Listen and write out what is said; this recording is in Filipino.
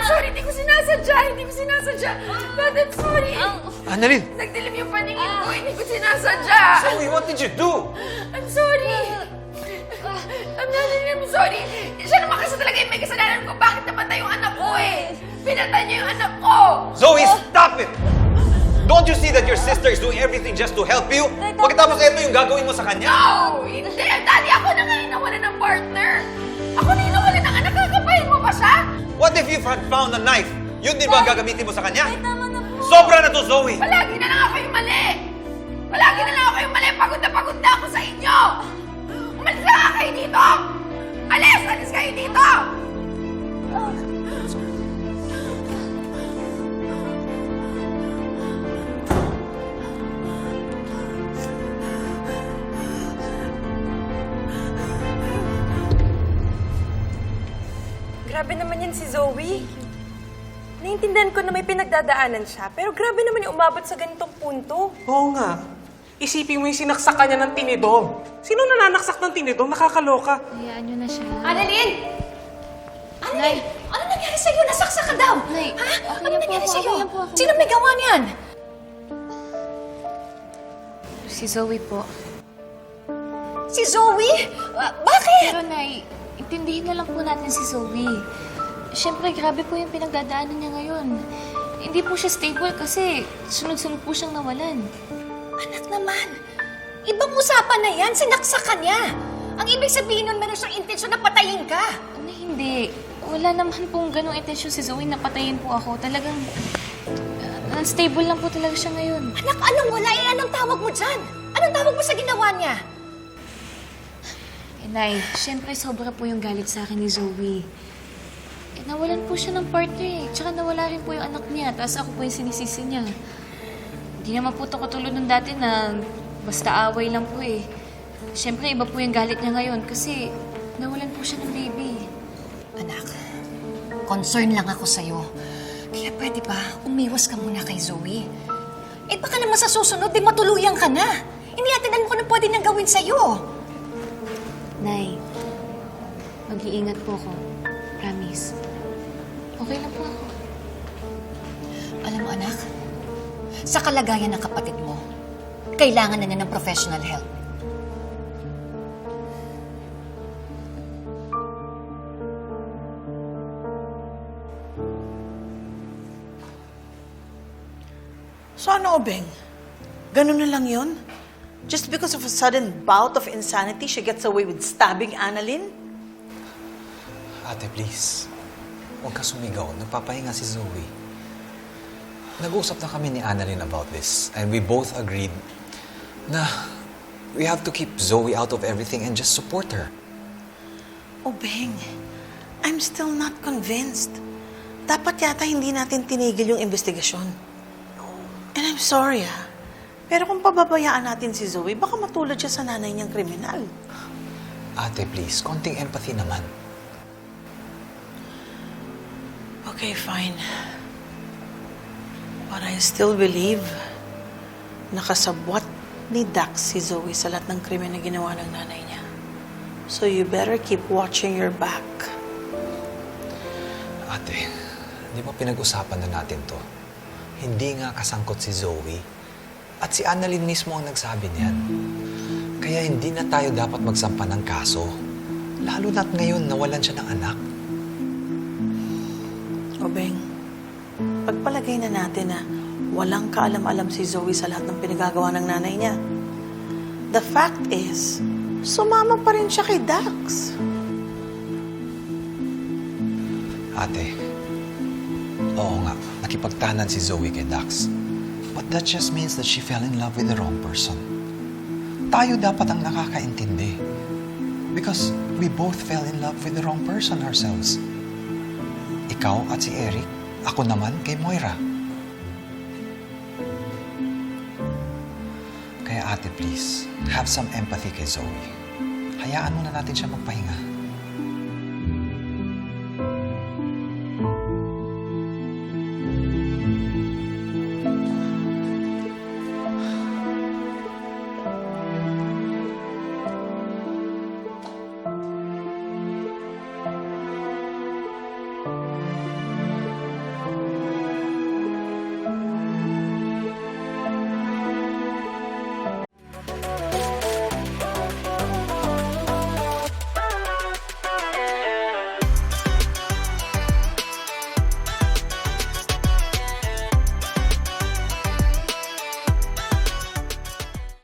sorry. Hindi ko sinasadya. God, I'm sorry. Annalyn! Nagdilim yung paningin ko. Hindi ko sinasadya. Zoe, what did you do? I'm sorry. I'm sorry. Siya naman kasi talaga yung may kasalanan ko. Bakit namatay yung anak ko eh? Pinatay niya yung anak ko. Zoe, stop it! Don't you see that your sister is doing everything just to help you? Pagkatapos ito yung gagawin mo sa kanya? No! Hindi! Daddy, ako na nga inawalan ng partner. Ako na inawalan ng anak. Kakapahin mo ba siya? What if you had found a knife? Yun din ba ang gagamitin mo sa kanya? Tama na po. Sobra na to, Zoe! Palagi na lang ako yung mali. Pagod na ako sa inyo. Umalis na nga kayo dito. Alis kayo dito. Grabe naman yan si Zoe. Naiintindihan ko na may pinagdadaanan siya, pero grabe naman yung umabot sa ganitong punto. Oo nga. Isipin mo yung sinaksak ka niya ng tinidor. Sino nananaksak ng tinidor? Nakakaloka. Hayaan niyo na siya. Annalyn! Annalyn! Ano nangyari sa'yo? Nasaksak ka daw! Nay, Ha? okay Ano lang po nangyari ako, sa'yo? okay lang po ako. Sino may gawa niyan? Si Zoe po. Si Zoe? Bakit? Pero Nay, intindihin na lang po natin si Zoe. Siyempre, grabe po yung pinagdadaanan niya ngayon. Hindi po siya stable kasi sunod-sunod po siyang nawalan. Anak naman, ibang usapan na yan. Sinaksak ka niya. Ang ibig sabihin nun, meron siyang intensyon na patayin ka. Ano, hindi. Wala naman pong ganong intensyon si Zoe na patayin po ako. Talagang unstable lang po talaga siya ngayon. Anak, anong wala? Anong tawag mo dyan? Anong tawag mo sa ginawa niya? Nay, siyempre sobra po yung galit sa akin ni Zoe. Nawalan po siya ng partner eh. Tsaka nawala rin po yung anak niya. Tapos ako po yung sinisisi niya. Hindi naman po ito katulad nung dati na basta away lang po eh. Siyempre, iba po yung galit niya ngayon kasi nawalan po siya ng baby. Anak, concern lang ako sa'yo. Kaya pwede ba, umiwas ka muna kay Zoe? Eh baka naman sa susunod, di matuluyan ka na. Hindi natin alam kung ano pwede nang gawin sa'yo. Nay, mag-iingat po ako. Promise. Okay lang po ako. Alam mo, anak, sa kalagayan ng kapatid mo, kailangan na niya ng professional help. So ano, Obeng? Ganun na lang yun? Just because of a sudden bout of insanity, she gets away with stabbing Annalyn? Ate, please. Huwag ka sumigaw. Nagpapahinga si Zoe. Nag-usap na kami ni Annalyn about this. And we both agreed na we have to keep Zoe out of everything and just support her. Obeng, I'm still not convinced. Dapat yata hindi natin tinigil yung investigasyon. And I'm sorry, pero kung pababayaan natin si Zoe, baka matulad siya sa nanay niyang kriminal. Ate, please. Konting empathy naman. Okay, fine. But I still believe nakasabwat ni Dax si Zoe sa lahat ng krimen na ginawa ng nanay niya. So you better keep watching your back. Ate, di ba pinag-usapan na natin to? Hindi nga kasangkot si Zoe. At si Annalyn mismo ang nagsabi niyan. Kaya hindi na tayo dapat magsampa ng kaso. Lalo na't ngayon nawalan siya ng anak. Obeng, pagpalagay na natin na walang kaalam-alam si Zoe sa lahat ng pinagagawa ng nanay niya. The fact is, sumama pa rin siya kay Dax. Ate, oo nga, nakipagtanan si Zoe kay Dax. But that just means that she fell in love with the wrong person. Tayo dapat ang nakakaintindi. Because we both fell in love with the wrong person ourselves. Ikaw at si Eric, ako naman kay Moira. Kaya ate, please, have some empathy kay Zoe. Hayaan muna natin siya magpahinga.